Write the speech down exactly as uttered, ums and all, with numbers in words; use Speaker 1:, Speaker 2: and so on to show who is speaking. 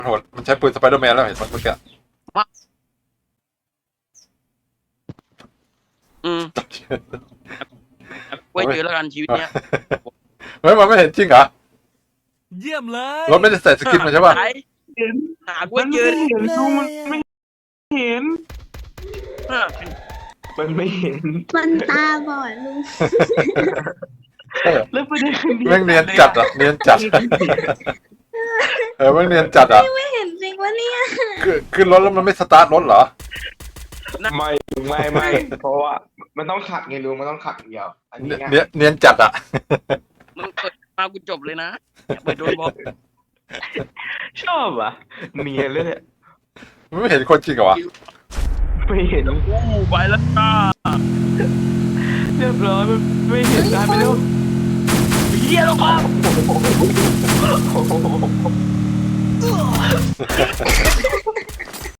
Speaker 1: มันโหดมันใช้ปืนสไปเดอร์แมนแล้วเห็นมั้ยเมื่อกี้
Speaker 2: อืมไว้เจอแล้วกันชีวิตเนี้ย
Speaker 1: เฮ้ยมันไม่เห็นจริงเหรอ
Speaker 3: เยี่ยมเลย
Speaker 1: รถไม่ได้ใส่สกินมาใช่ป่ะ
Speaker 2: หายหาไว้เจอ
Speaker 4: มันไม่เห็นดูมันไม่เห็น
Speaker 2: อ่ะ
Speaker 4: มันไม่เห็น
Speaker 5: มันตาบอดลุง
Speaker 4: แล้วประเด็นคือ
Speaker 1: แม่งเนียนจัดอ่ะเนียนจัดเออแม่งเนียนจัดอ่ะ
Speaker 5: ไม่เห็นจริงวะเนี่ย
Speaker 1: คือขึ้นรถแล้วมันไม่สตาร์ทรถเหรอ
Speaker 4: ไม่ไม่ไม่เพราะว่ามันต้องขัดไงลุงมันต้องขัดอย่างเดียวอันนี้
Speaker 1: เนียนเนียนจัดอ่ะ
Speaker 2: มึงเปิดมากูจบเลยนะอย่าไปโดนบอก
Speaker 4: ชอบอ่ะเนียนเลยเนี่ย
Speaker 1: มันไม่เห็นคนจริงเหรอวะ
Speaker 4: ไม่เห็น
Speaker 2: อู้ไปแล้วจ้า
Speaker 4: เรียบร้อยมันไม่เห็นได้ไปแล้ว
Speaker 2: เฮียแล้วครับ
Speaker 4: โอ้โห